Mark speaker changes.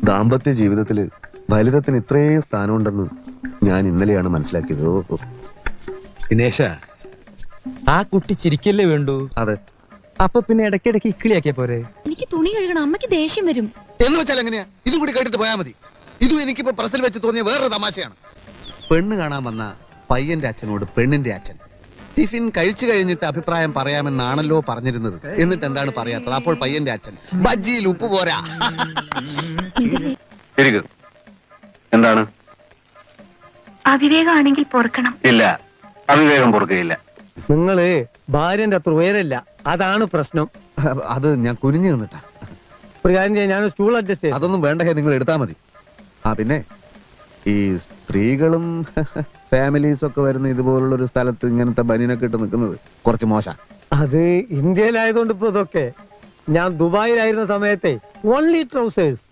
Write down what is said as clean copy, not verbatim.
Speaker 1: ദാമ്പത്യ ജീവിതത്തില് ഫലിതത്തിന് ഇത്രയും സ്ഥാനമുണ്ടെന്ന് ഞാൻ ഇന്നലെയാണ് മനസ്സിലാക്കിയത്.
Speaker 2: ദിനേശ, ആ കുട്ടി ചിരിക്കല്ലേ വേണ്ടു.
Speaker 1: അതെ.
Speaker 2: അപ്പൊ പിന്നെ ഇടയ്ക്കിടയ്ക്ക് ഇക്കിളിയാക്കിയ പോരെ?
Speaker 3: എനിക്ക് തുണി കഴുകണം, അമ്മയ്ക്ക് ദേഷ്യം വരും.
Speaker 1: എന്ന് വെച്ചാൽ എങ്ങനെയാ? ഇതും കൂടി കേട്ടിട്ട് പോയാൽ മതി. ഇതും എനിക്കിപ്പോ പ്രസിൽ വെച്ച് തോന്നിയ വേറൊരു തമാശയാണ്. പെണ്ണ് കാണാൻ വന്ന പയ്യന്റെ അച്ഛനോട് പെണ്ണിന്റെ അച്ഛൻ ടിഫിൻ കഴിച്ചു കഴിഞ്ഞിട്ട് അഭിപ്രായം പറയാമെന്നാണല്ലോ പറഞ്ഞിരുന്നത്. എന്നിട്ട് എന്താണ് പറയാത്തത്? അപ്പോൾ പയ്യന്റെ അച്ഛൻ ബജ്ജിയിൽ ഉപ്പ് പോരാ. എന്താണ്?
Speaker 3: അവിവേകമാണെങ്കിൽ പൊറുക്കണം.
Speaker 1: ഇല്ല, അവിവേകം പൊറുകയില്ല.
Speaker 2: നിങ്ങള് ഭാര്യന്റെ അത്ര ഉയരല്ല, അതാണ് പ്രശ്നം.
Speaker 1: അത് ഞാൻ കുനിഞ്ഞു നിന്നിട്ടാ.
Speaker 2: ഒരു കാര്യം ചെയ്യാൻ ഞാൻ സ്റ്റൂൾ അഡ്ജസ്റ്റ് ചെയ്യാം.
Speaker 1: അതൊന്നും വേണ്ട, നിങ്ങൾ എടുത്താ മതി. പിന്നെ ഈ സ്ത്രീകളും ഫാമിലീസ് ഒക്കെ വരുന്ന ഇതുപോലുള്ള ഒരു സ്ഥലത്ത് ഇങ്ങനത്തെ ബനിയനൊക്കെ ഇട്ട് നിൽക്കുന്നത് കുറച്ച് മോശം.
Speaker 2: അത് ഇന്ത്യയിലായതുകൊണ്ട് ഇപ്പൊ ഇതൊക്കെ. ഞാൻ ദുബായിലായിരുന്ന സമയത്തെ ഓൺലി ട്രൗസേഴ്സ്.